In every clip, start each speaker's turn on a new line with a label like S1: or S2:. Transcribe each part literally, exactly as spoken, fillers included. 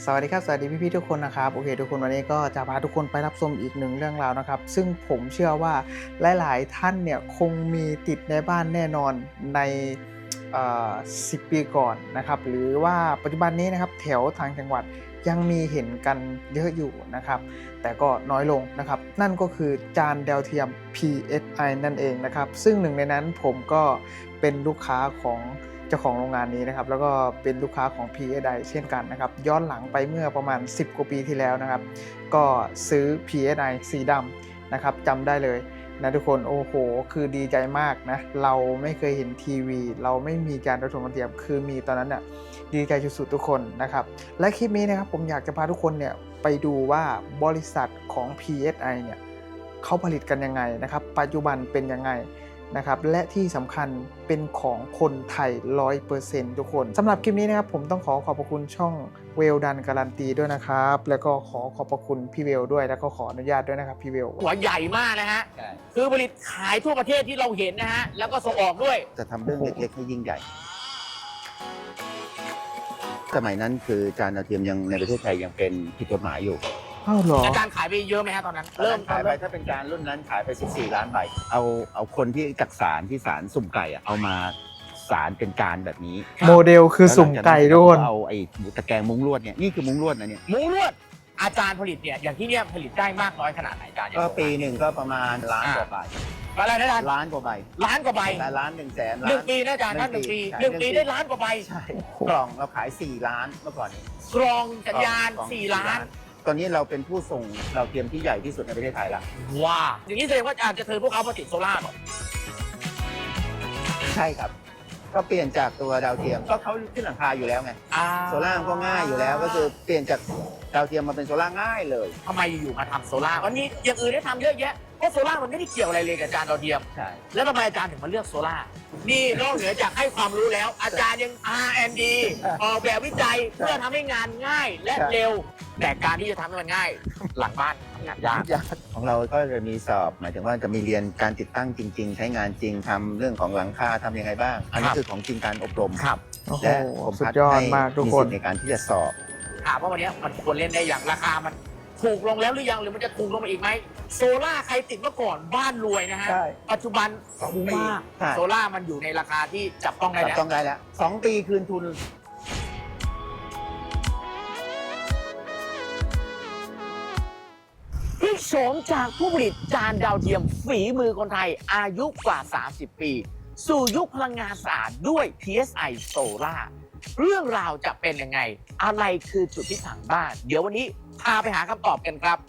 S1: สวัสดีครับสวัสดีพี่ๆทุกคนนะครับโอเคทุกคนวันนี้ก็จะพาทุกคนไปรับชมอีกหนึ่งเรื่องราวนะครับซึ่งผมเชื่อว่าหลายๆท่านเนี่ยคงมีติดในบ้านแน่นอนในสิบปีก่อนนะครับหรือว่าปัจจุบันนี้นะครับแถวทางจังหวัดยังมีเห็นกันเยอะอยู่นะครับแต่ก็น้อยลงนะครับนั่นก็คือจานดาวเทียม พี เอส ไอ นั่นเองนะครับซึ่งหนึ่งในนั้นผมก็เป็นลูกค้าของเจ้าของโรงงานนี้นะครับแล้วก็เป็นลูกค้าของ พี เอส ไอ เช่นกันนะครับย้อนหลังไปเมื่อประมาณสิบกว่าปีที่แล้วนะครับก็ซื้อ พี เอส ไอ สีดำนะครับจำได้เลยนะทุกคนโอ้โหคือดีใจมากนะเราไม่เคยเห็นทีวีเราไม่มีการดาวเทียมคือมีตอนนั้นน่ะดีใจสุดๆทุกคนนะครับและคลิปนี้นะครับผมอยากจะพาทุกคนเนี่ยไปดูว่าบริษัทของ พี เอส ไอ เนี่ยเขาผลิตกันยังไงนะครับปัจจุบันเป็นยังไงนะครับและที่สำคัญเป็นของคนไทย ร้อยเปอร์เซ็นต์ ทุกคนสำหรับคลิปนี้นะครับผมต้องขอขอบพระคุณช่องเวลดันการันตีด้วยนะครับแล้วก็ขอขอบพระคุณพี่เวลด้วยแล้วก็ขออนุญาตด้วยนะครับพี่เวล
S2: หัวใหญ่มากนะฮะคือผลิตขายทั่วประเทศที่เราเห็นนะฮะแล้วก็ส่งออกด้วย
S3: จะทำเรื่องเล็กๆให้ยิ่งใหญ่สมัยนั้นคือจานดาวเทียมยังในประเทศไทยยังเป็นผิดกฎหมายอยู่
S1: อ้าวเหรอ
S2: อาจารย์ขายไปเยอะไหมฮะตอนนั้นเริ่ม
S3: ขายไปถ้าเป็นการรุ่นนั้นขายไปสิบสี่ล้านใบเอาเอาคนที่จักสารที่สารสุ่มไก่อะเอามาสารเป็นการแบบนี้
S1: โมเดลคือสุ่มไก่ทุกคน
S3: เอาไอ้ตะแกรงมุ้งลวดเนี่ยนี่คือมุ้งลวดนะเนี่ย
S2: มุ้งลวดอาจารย์ผลิตเนี่ยอย่างที่เนี่ยผลิตได้มากน้อยขนาดไหนอาจารย์
S3: ก็ปีหนึ่งก็ประมาณล้านกว่าใบ
S2: อะไรนะอาจารย์
S3: ล้านกว่าใบ
S2: ล้านกว่าใบ
S3: ล้านหนึ่งแสน
S2: หนึ่งปีนะอาจารย์นั่นหนึ่งปีหนึ่งปีได้ล้านกว่าใบ
S3: ใช่กล่องเราขายสี่ล้านเมื่อก่อนนี้
S2: กรองสัญญาณสี่ล้าน
S3: ตอนนี้เราเป็นผู้ส่งดาวเทียมที่ใหญ่ที่สุดในประเทศไทยแล้ว
S2: ว้าอย่างนี้แสดงว่าอาจารย์จะเทิร์นพวกเขามาติดโซล่าหรอ
S3: ใช่ครับก็เปลี่ยนจากตัวดาวเทียมก็เขาขึ้นหลังคาอยู่แล้วไงโซล่าก็ง่ายอยู่แล้วก็คือเปลี่ยนจากดาวเทียมมาเป็นโซล่าง่ายเลย
S2: ทำไมอยู่มาทำโซล่าวันนี้อย่างอื่นได้ทำเยอะแยะเพราะโซล่ามันไม่ได้เกี่ยวอะไรเลยกับจานดาวเทียม
S3: ใช่
S2: แล้วทำไมอาจารย์ถึงมาเลือกโซล่านี่นอกเหนือจากให้ความรู้แล้วอาจารย์ยัง อาร์ แอนด์ ดี ออกแบบวิจัยเพื่อทำให้งานง่ายและเร็วแต่การที่จะทำให้มันง่ายหลังบ้านทำงานยาก
S3: ของเราก็จะมีสอบหมายถึงว่าจะมีเรียนการติดตั้งจริงๆใช้งานจริงทำเรื่องของหลังคาทำยังไงบ้างอันนี้คือของจริงการอบรมและผม
S1: สุดยอดมากทุกคน
S3: ในการที่จะสอบ
S2: ถามว่าวันนี้มันควรเล่นได้อย่างราคามันถูกลงแล้วหรือยังหรือมันจะถูกลงมาอีกไหมโซล่าใครติดเมื่อก่อนบ้านรวยนะฮะปัจจุบันคุ้มมากโซล่ามันอยู่ในราคาที่จับต้องได้แล้ว
S3: จับต้องได้แล้วสองปีคืนทุน
S2: พลิกโฉมจากผู้ผลิตจานดาวเทียมฝีมือคนไทยอายุกว่าสามสิบปีสู่ยุคพลังงานสะอาดด้วย พี เอส ไอ Solar เรื่องราวจะเป็นยังไงอะไรคือจุดที่ต่างบ้านเดี๋ยววันนี้พาไปหาคำตอบกันครับ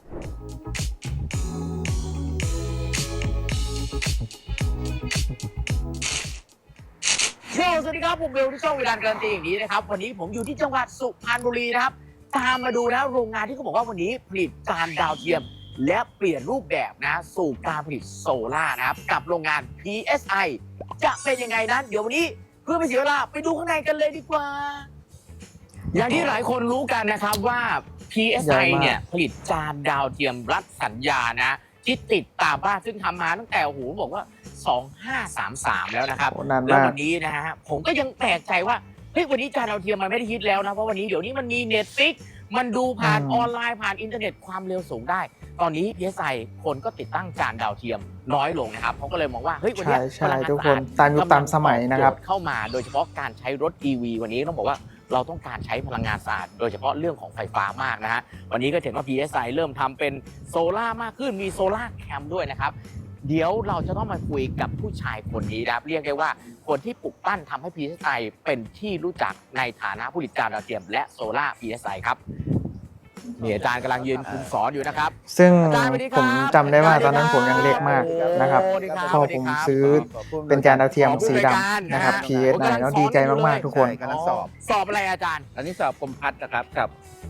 S2: สวัสดีครับผมเบลที่ช่องเวลาการันตีอย่างนี้นะครับวันนี้ผมอยู่ที่จังหวัดสุพรรณบุรีนะครับตามมาดูนะโรงงานที่เขาบอกว่าวันนี้ผลิตจานดาวเทียมและเปลี่ยนรูปแบบนะสู่การผลิตโซล่านะครับกับโรงงาน พี เอส ไอ จะเป็นยังไงนั้นเดี๋ยววันนี้เพื่อไม่เสียเวลาไปดูข้างในกันเลยดีกว่าอย่างที่หลายคนรู้กันนะครับว่า พี เอส ไอ เนี่ยผลิตจานดาวเทียมรัดสัญญานะที่ติดตามบ้านซึ่งทำมาตั้งแต่โอ้โหบอกว่าสองพันห้าร้อยสามสิบสามแล้วนะครับแล้ววันนี้นะฮะผมก็ยังแปลกใจว่าเฮ้ยวันนี้จานดาวเทียมมันไม่ได้ฮิตแล้วนะเพราะวันนี้เดี๋ยวนี้มันมี Netflix มันดูผ่านออนไลน์ผ่านอินเทอร์เน็ตความเร็วสูงได้ตอนนี้ พี เอส ไอ คนก็ติดตั้งจานดาวเทียมน้อยลงนะครับเขาก็เลยมองว่าเฮ้ยวันนี้
S1: ใช่ทุกคนตามยุคตามสมัยนะครับ
S2: เข้ามาโดยเฉพาะการใช้รถ อี วี วันนี้ต้องบอกว่าเราต้องการใช้พลังงานสะอาดโดยเฉพาะเรื่องของไฟฟ้ามากนะฮะวันนี้ก็เห็นว่า พี เอส ไอ เริ่มทำเป็นโซล่ามากขึ้นมีโซล่าแคมด้วยนะครับเดี๋ยวเราจะต้องมาคุยกับผู้ชายคนนี้นะครับเรียกได้ว่าคนที่ปลุกปั้นทำให้ พี เอส ไอ เป็นที่รู้จักในฐานะผู้ผลิตจานดาวเทียมและโซล่า พี เอส ไอ ครับนี่อาจารย์กำลังยืนคุมสอนอยู่นะครับ
S1: ซึ่งผมจำได้ว่าตอนนั้นผมยังเล็กมากนะครับพอผมซื้อเป็นจานดาวเทียมสีดำนะครับ พี เอส ไอ แล้วดีใจมากๆทุกคน
S3: กำลังสอบ
S2: สอบอะไรอาจารย์
S3: อันนี้สอบกรมพัฒน์นะครับกับ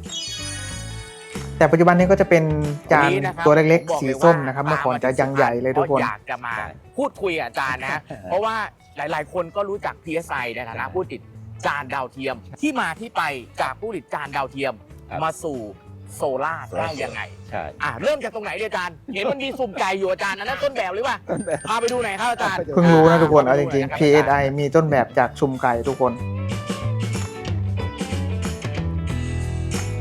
S1: แต่ปัจจุบันนี้ก็จะเป็นจานตัวเล็กๆสีส้มนะครับเมื่อก่อนจะยังใหญ่เลยทุกคน
S2: อยากจะมาพูดคุยกับอาจารย์นะเพราะว่าหลายๆคนก็รู้จัก พี เอส ไอ ในฐานะผู้ติดจานดาวเทียมที่มาที่ไปจากผู้ติดจานดาวเทียมมาสู่โซล่าได้ยังไง
S3: ใช่
S2: อ่าเริ่มจากตรงไหนอาจารย์เห็นมันมีสุ่มไก่อยู่อาจารย์อันนั้นต้นแบบหรือเปล่าพาไปดูหน่อยครับอาจารย์
S1: เพิ่งรู้นะทุกคนเอาจริงๆ พี เอส ไอ มีต้นแบบจากสุ่มไก่ทุกคน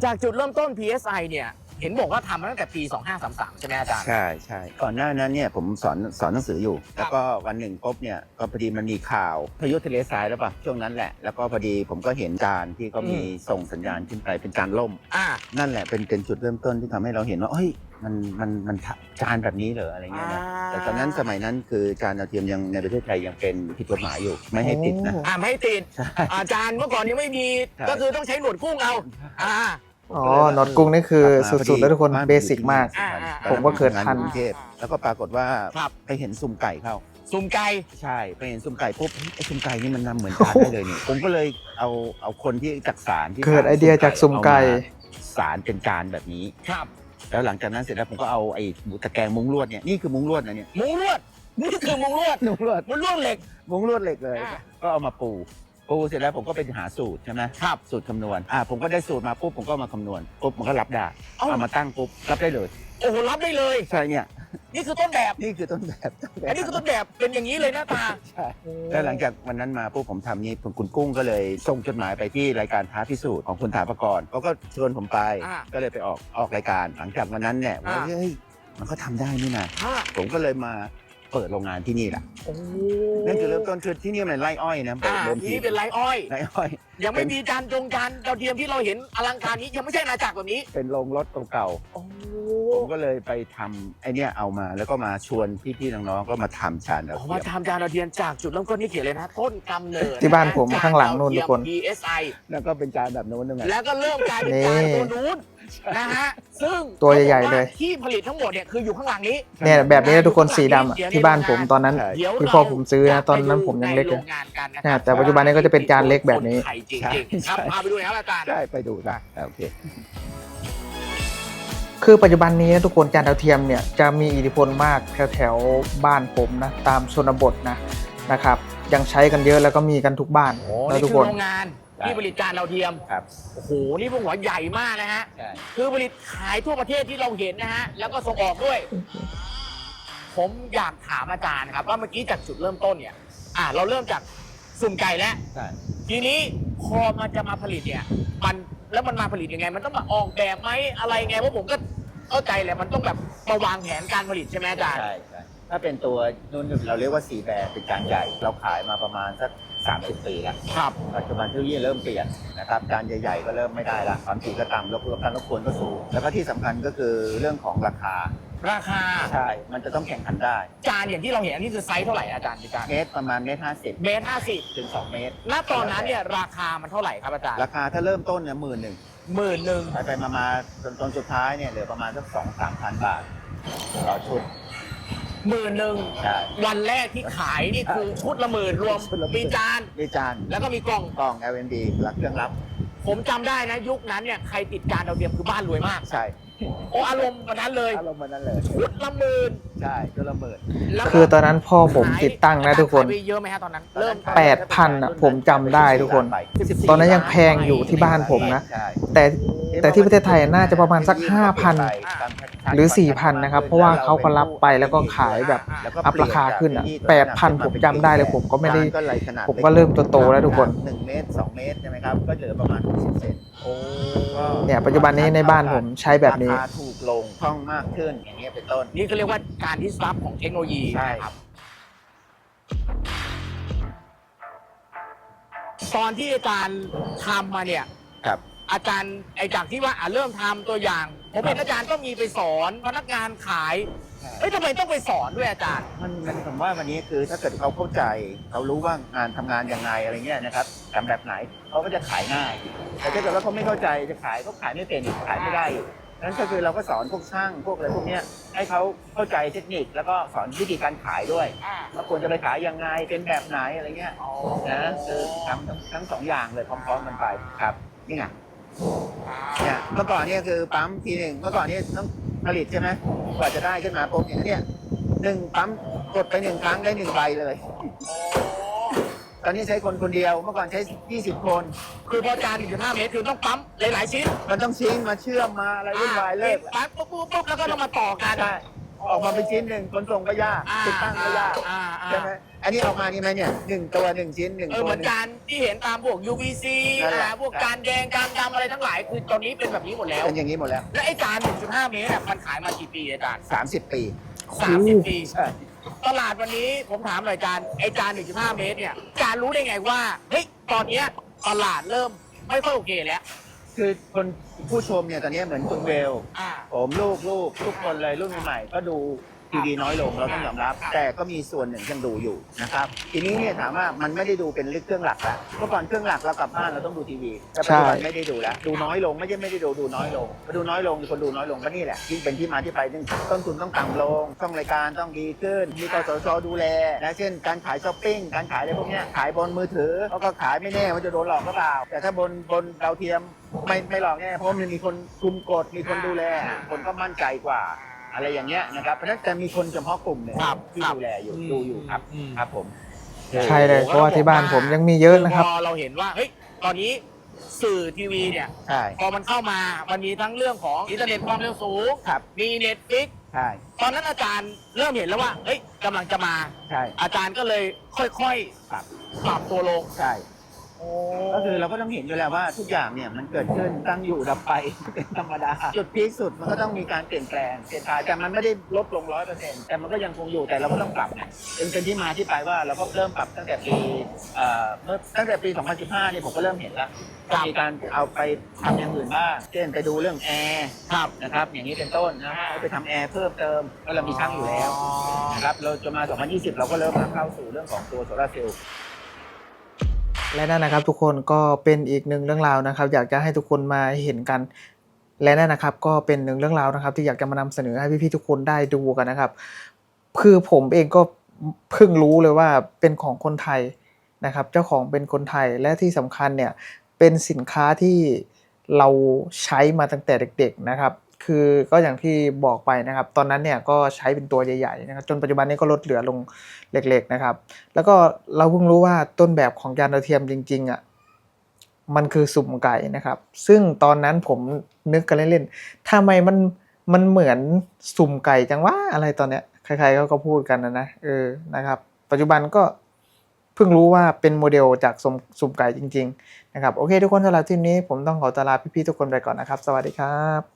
S2: จากจุดเริ่มต้น พี เอส ไอ เนี่ยเห็นบอกว่าทำมาตั้งแต่ปีสองห้าสามสามใช่ไหมอาจารย์
S3: ใช่ใช่ก่อนหน้านั้นเนี่ยผมสอนสอนหนังสืออยู่ แล้วก็วันหนึ่งปุ๊บเนี่ยก็พอดีมันมีข่าวพายุทะเลทรายแล้วป่ะช่วงนั้นแหละแล้วก็พอดีผมก็เห็นการที่เขามีส่งสัญญาณขึ้นไปเป็นการล่ม
S2: อ่า
S3: นั่นแหละเป็นเป็นจุดเริ่มต้นที่ทำให้เราเห็นว่าเฮ้ยมันมันมันจานแบบนี้เหรออะไรเงี้ยนะแต่ตอนนั้นสมัยนั้นคือจานดาวเทียมยังในประเทศไทยยังเป็นผิดกฎหมายอยู่ไม่ให้ติดนะ
S2: อ่าไม่ให้ติด
S3: ใช่
S2: อาจารย์เมื่อก่อนยังไม่มี
S3: ใช่
S2: ก็คือต้องใช้หนวดกุ้งเอาอ่า
S1: อ๋อน็อตกุ้งนี่คือสุดๆแล้วทุกคนเบสิกมาก
S2: อ่าอ่า
S1: ผมก็เกิดทัน
S3: กรุงเทพแล้วก็ปรากฏว่า
S2: ครับ
S3: ไปเห็นซุ่มไก่เข้า
S2: ซุ่มไก่
S3: ใช่ไปเห็นซุ่มไก่ปุ๊บเฮ้ยไอ้ซุ่มไก่นี่มันนำเหมือนจานได้เลยนี่ผมก็เลยเอาเอาคนที่จักสารที่
S1: เกิดไอเดียจากซุ่มไก่
S3: เอามาสารเป็นจานแบบนี้
S2: ครับ
S3: แล้วหลังจากนั้นเสร็จแล้วผมก็เอาไอ้ตะแกรงมุ้งลวดเนี่ยนี่คือมุ้งลวดนะเนี่ย
S2: มุ้งลวดนี่คือมุ้งลวด
S3: มุ้งลวด
S2: มุ้งลวดเหล็ก
S3: มุ้งลวดเหล็กเลย
S2: อ่า
S3: ก็เอามาปูปูเสร็จแล้วผมก็ไปหาสูตรใช่ไหม
S2: ครับ
S3: สูตรคำนวณอ่าผมก็ได้สูตรมาปุ๊บผมก็เอามาคำนวณปุ๊บมันก็รับได้
S2: เอ้า
S3: เอามาตั้งปุ๊บรับได้เลย
S2: โอ้โหรับได้เลย
S3: ใช่เนี่ย
S2: นี่คือต้นแบบ
S3: นี่คือต้นแบบต้นแบบ
S2: อันนี้คือต้นแบบเป็นอย่างนี้เลยหน้าตา
S3: ใช่แล้วหลังจากวันนั้นมาปุ๊บผมทำนี้คุณกุ้งก็เลยส่งจดหมายไปที่รายการท้าพิสูจน์ของคุณถาปกรณ์เขาก็ชวนผมไป
S2: อ่า
S3: ก็เลยไปออกออกรายการ หลังจากวันนั้นเนี่ยว่า
S2: อ่า
S3: เฮ้ยมันก็ทำได้นี่นะ
S2: อ่า
S3: ผมก็เลยมาเปิดโรงงานที่นี่แหละ
S2: โอ้
S3: นั่นคือเริ่มต้นคือที่นี่มันไร่อ้อยนะ
S2: อ่า
S3: เดิม
S2: ที
S3: ที
S2: นี้เป็นไรอ้อย
S3: ไร่อ้อย
S2: ยังไม่มีจานจงจานดาวเทียมที่เราเห็นอลังการนี้ยังไม่ใช่อาณาจักรแบบนี้
S3: เป็นโรงรถเก่า
S2: โอ้
S3: ๆผมก็เลยไปทำไอเนี้ยเอามาแล้วก็มาชวนพี่ๆน้องๆก็มาทำชานดาว
S2: ผม
S3: เที
S2: ว่าย
S3: ม
S2: ทำจานดาวเทียมจากจุดเริ่มต้นที่เขียนเลยนะ ต้นกำเนิด
S1: ที่บ้านผมข้างหลังนู่นทุกคน
S2: พี เอส ไอ
S3: แล้วก็เป็นจานแบบโน้นด้วยไง
S2: แล้วก็เริ่มกลายเป็น
S1: นี่
S2: จานตัวนู้นนะฮะซึ่ง
S1: ตัวใหญ่ๆเลย
S2: ที่ผลิตทั้งหมดเนี่ยคืออยู่ข้างหลังนี้
S1: เนี่ยแบบนี้นะทุกคนสีดำอะที่บ้านผมตอนนั้น
S2: เดี๋ยว
S1: ที่พ่อผมซื้อนะตอนนั้นผมยังเล็ก
S2: ใน
S1: เลย
S2: โรงงานกันนะค
S1: เนี่ย
S2: รับ
S1: แต่ปัจจุบันนี้ก็จะเป็นจานเล็กแบบนี้
S2: ไข่จริงๆครับพาไปดูหนะครับอาจารย์
S3: ได้ไปดูนะโอเค
S1: คือปัจจุบันนี้นะทุกคนจานดาวเทียมเนี่ยจะมีอิทธิพลมากแถวแถวๆบ้านผมนะตามชนบทนะนะครับยังใช้กันเยอะแล้วก็มีกันทุกบ้าน
S2: โอ้
S1: นะ
S2: นี่
S1: ทุก
S2: คือ
S1: คน
S2: โรงงานที่ผลิตจานดาวเทียม
S3: ครับ
S2: โอ้โหนี่พวกหัวใหญ่มากนะฮะ
S3: ใช่
S2: คือผลิตขายทั่วประเทศที่เราเห็นนะฮะ แล้วก็ส่งออกด้วย ผมอยากถามอาจารย์ครับว่าเมื่อกี้จากจุดเริ่มต้นเนี่ย อ่าเราเริ่มจากสุ่มไก่แล้ว
S3: ใช่
S2: ทีนี้พอมันจะมาผลิตเนี่ย มันแล้วมันมาผลิตยังไง มันต้องมาออกแบบไหมอะไรไงเพราะผมก็เข้าใจแหละมันต้องแบบมาวางแผนการผลิตใช่ไหมอาจารย์
S3: ใช่ใช่ถ้าเป็นตัวนุ่นเราเรียกว่าสีแบร์เป็นจานใหญ่ เราขายมาประมาณสักสามสิบปีแล้ว
S2: ครับ
S3: ปัจจุบันเทคโนโลยีเริ่มเปลี่ยนนะครับจานใหญ่ๆก็เริ่มไม่ได้ละความถี่ก็ต่ำรบกวนการรบกวนก็สูงแล้วก็ที่สำคัญก็คือเรื่องของราคา
S2: ราคา
S3: ใช่ มันจะต้องแข่งขันได้
S2: จานอย่างที่เราเห็นอันนี้คือไซส์เท่าไหร่อาจารย์อาจารย์
S3: เมตรประมาณเมตรห้าสิบ
S2: เมตรห้าสิบ
S3: ถึงสองเมตร
S2: ณตอนนั้นเนี่ยราคามันเท่าไหร่ครับอาจารย์
S3: ราคาถ้าเริ่มต้นเนี่ยหมื่นหนึ่ง
S2: หมื่นหนึ่ง
S3: ไปไปมามาจนตอนสุดท้ายเนี่ยเหลือประมาณสักสองสามพันบาทต่อชุด
S2: หมื่นหนึ่ง
S3: ใช่
S2: วันแรกที่ขายนี่คือชุดละหมื่นรวม
S3: ชุดละหมื่น
S2: มีจาน
S3: มีจาน
S2: แล้วก็มีกล่อง
S3: กล่อง แอล เอ็น ดี รับเครื่องรับ
S2: ผมจำได้นะยุคนั้นเนี่ยใครติดจานดาวเทียมคือบ้านรวยมาก
S3: ใช่
S2: โอ้อารมณ์วันนั้นเลย
S3: อารมณ์มันนั้นเลย
S2: ชุดละหมื่น
S3: ใช่ชุดละหมื่น
S2: แล้วก็
S1: คือตอนนั้นพ่อผมติดตั้งนะทุกคน
S2: ขายไปเยอะไหมฮะตอนนั้น เริ่ม
S1: แปดพันอะผมจำได้ทุกคน ตอนนั้นยังแพงอยู่ที่บ้านผมนะ
S3: ใช่
S1: แต่แต่ที่ประเทศไทยน่าจะประมาณสัก ห้าพัน หรือ สี่พัน นะครับเพราะว่าเขาก็รับไปแล้วก็ขายแบบ
S3: แล้วก็
S1: อัพราคาขึ้นอะแปดพันผมจำได้เลยผมก็ไม่ได้
S3: จานก็เลยขนาด
S1: ผมก็เริ่มโตๆแล้วทุกคน
S3: หนึ่งเมตรสองเมตรใช่ไหมครับก็เหลือประมาณหกสิบเซนโอ้
S1: เนี่ยปัจจุบันนี้ในบ้านผมใช้แบบนี้
S3: ราคาถูกลงคล่องมากขึ้นอย่างเงี้ยเป็นต้น
S2: นี่ก็เรียกว่าการที่ซับของเทคโนโลยี
S3: ใช่
S2: นะครับตอนที่อาจารย์ทำมาเนี่ย
S3: ครับ
S2: อาจารย์ไอจากที่ว่าอ่ะเริ่มทำตัวอย่าง ผมเห็นอาจารย์ก็มีไปสอนพนักงานขายเอ้ยทำไมต้องไปสอนด้วยอาจารย์
S3: มันมันผมว่าวันนี้คือถ้าเกิดเขาเข้าใจเขารู้ว่างานทำงานยังไงอะไรเงี้ยนะครับทำแบบไหนเขาก็จะขายง่าย แต่ถ้าเกิดว่าเขาไม่เข้าใจจะขายก็ขายไม่เป็นอีกขายไม่ได้อีกนั้นก็คือเราก็สอนพวกช่างพวกอะไรพวกเนี้ยให้เขาเข้าใจเทคนิคแล้วก็สอนวิธีการขายด้วยว่าควรจะไปขายยังไงเป็นแบบไหนอะไรเงี้ยนะคือทำทั้งทั้งสองอย่างเลยพร้อมๆกันไปครับนี่ไงเนี่ยเมื่อก่อนเนี่ยคือปั๊มทีหนึ่งเมื่อก่อนเนี่ยต้องผลิตใช่ไหมกว่าจะได้ขึ้นมาปุ๊บเนี่ยเนี่ยหนึ่งปั๊มกดไปหนึ่งครั้งได้หนึ่งใบเลย ตอนนี้ใช้คนคนเดียวเมื่อก่อนใช้ยี่สิบคน
S2: คือพอจานหนึ่งจุดห้าเมตรคือต้องปั๊มหลายๆชิ้น
S3: มันต้องซิงค์มาเชื่อมมาอะไรวุ่นวายเลิก
S2: ปั๊บปุ๊บปุ๊บปุ๊บแล้วก็ต้องมาต่อกัน
S3: ใช่ออกมาเป็นชิ้นหนึ่งขนส่งก็ยาก
S2: อ่า
S3: ติดตั้งก็ยาก
S2: อ่าอ่า
S3: ใช่ไหมไออันนี้ออกมานี่ไหมเนี่ยหนึ่งตัวหนึ่งชิ้นหนึ่ง
S2: เออ
S3: ตัว
S2: เหมือน
S3: หนึ่ง
S2: การที่เห็นตามพวก ยู วี ซี
S3: นั่นแหละ
S2: อ่าพวกการแดงการดำอะไรทั้งหลายคือตอนนี้เป็นแบบนี้หมดแล้ว
S3: เป็นอย่างนี้หมดแล้ว
S2: และไอ้จาน หนึ่งจุดห้า เมตรอะมันขายมากี่ปีอาจารย์
S3: สามสิบปี
S2: สามสิบปี
S3: ใช่
S2: ตลาดวันนี้ผมถามหน่อยอาจารย์ไอ้จาน หนึ่งจุดห้า เมตรเนี่ยอาจารย์รู้ได้ไงว่าเฮ้ยตอนเนี้ยตลาดเริ่มไม่ค่อยโอเคแล้ว
S3: คือคนผู้ชมเนี่ยตอนนี้เหมือนคุณเวล
S2: อ่า
S3: ผมลูกลูกทุกคนเลยรุ่นใหม่ๆก็ดูทีวีน้อยลงเราต้องยอมรับ แต่ก็มีส่วนหนึ่งยังดูอยู่นะครับทีนี้เนี่ยถามว่ามันไม่ได้ดูเป็นเครื่องหลักแล้วเมื่อก่อนเครื่องหลักเรากลับบ้านเราต้องดูทีวีแต่ปัจจุบันไม่ได้ดูแล้วดูน้อยลงไม่ใช่ไม่ได้ดูดูน้อยลงมาดูน้อยลงคนดูน้อยลงก็นี่แหละที่เป็นที่มาที่ไปนึงต้นทุนต้องต่ำลงช่องรายการต้องดีขึ้นมีกสชดูแลนะเช่นการขายช้อปปิ้งการขายอะไรพวกเนี้ยขายบนมือถือเขาก็ขายไม่แน่ว่าจะโดนหลอกหรือเปล่าแต่ถ้าบนบนดาวเทียมไม่ไม่หลอกแน่เพราะมันมีคนคุมกฎมีคนดูแลคนก็มั่นใจกว่าอะไรอย่างเงี้ยนะครับเพราะฉะนั้นจะมีคนเฉพาะกลุ่มเนี่ย
S2: ครับ
S3: ที่
S2: ครับ
S3: ดูแลอยู่
S2: อืม
S3: ดูอยู่ครับ
S2: อืม
S3: ครับผม
S1: ใช่เลยเพราะว่าที่บ้านผมยังมีเยอะนะครับ
S2: พอเราเห็นว่าเฮ้ยตอนนี้สื่อทีวีเนี่ย
S3: ใช่
S2: พอมันเข้ามามันมีทั้งเรื่องของอินเทอร์เน็ตความเร็วสูง
S3: ครับ
S2: มีเน็ตฟิก
S3: ใช่
S2: ตอนนั้นอาจารย์เริ่มเห็นแล้วว่าเฮ้ยกำลังจะมา
S3: ใช่
S2: อาจารย์ก็เลยค่อย
S3: ปรับ
S2: ๆปรับตัวลง
S3: ใช่ก็คือเราก็ต้องเห็นอยู่แล้วว่าทุกอย่างเนี่ยมันเกิดขึ้นตั้งอยู่ดับไป เป็นธรรมดาจุดพีคสุดมันก็ต้องมีการเปลี่ยนแปลงเปลี่ยนผ่านแต่มันไม่ได้ลดลงร้อยเปอร์เซ็นต์แต่มันก็ยังคงอยู่แต่เราก็ต้องปรับไงเป็นเป็นที่มาที่ไปว่าเราก็เริ่มปรับตั้งแต่ปีเอ่อเมื่อตั้งแต่ปี สองพันสิบห้า เนี่ยผมก็เริ่มเห็นแล้วก็มีการเอาไปทำอย่างอื่นบ้างเช่นไปดูเรื่องแอร์
S2: ครับ
S3: นะครับอย่างนี้เป็นต้นนะให้ไปทำแอร์เพิ่มเติมก็เรามีช่างอยู่แล้วนะครับเราจะมา สองพันยี่สิบ เราก็เริ่มเข้าสู่เรื่องของตัวโซลาร์เซลล์
S1: และนั่นนะครับทุกคนก็เป็นอีกหนึ่งเรื่องราวนะครับ อยากจะให้ทุกคนมาเห็นกัน และนั่นนะครับก็เป็นหนึ่งเรื่องราวนะครับ ที่อยากจะมานำเสนอให้พี่ๆทุกคนได้ดูกันนะครับ คือผมเองก็เพิ่งรู้เลยว่าเป็นของคนไทยนะครับ เจ้าของเป็นคนไทยและที่สำคัญเนี่ยเป็นสินค้าที่เราใช้มาตั้งแต่เด็กๆนะครับ คือก็อย่างที่บอกไปนะครับ ตอนนั้นเนี่ยก็ใช้เป็นตัวใหญ่ๆนะครับจนปัจจุบันนี้ก็ลดเหลือลงเล็กๆนะครับ แล้วก็เราเพิ่งรู้ว่าต้นแบบของยานดาวเทียมจริงๆอ่ะมันคือสุ่มไก่นะครับ ซึ่งตอนนั้นผมนึกกันเล่นๆทำไมมันมันเหมือนสุ่มไก่จังวะอะไรตอนเนี้ยใครๆเขาก็พูดกันนะนะเออนะครับ ปัจจุบันก็เพิ่งรู้ว่าเป็นโมเดลจากสุ่มสุ่มไก่จริงๆนะครับโอเคทุกคนสำหรับทีนี้ผมต้องขอตลาพี่ๆทุกคนไปก่อนนะครับสวัสดีครับ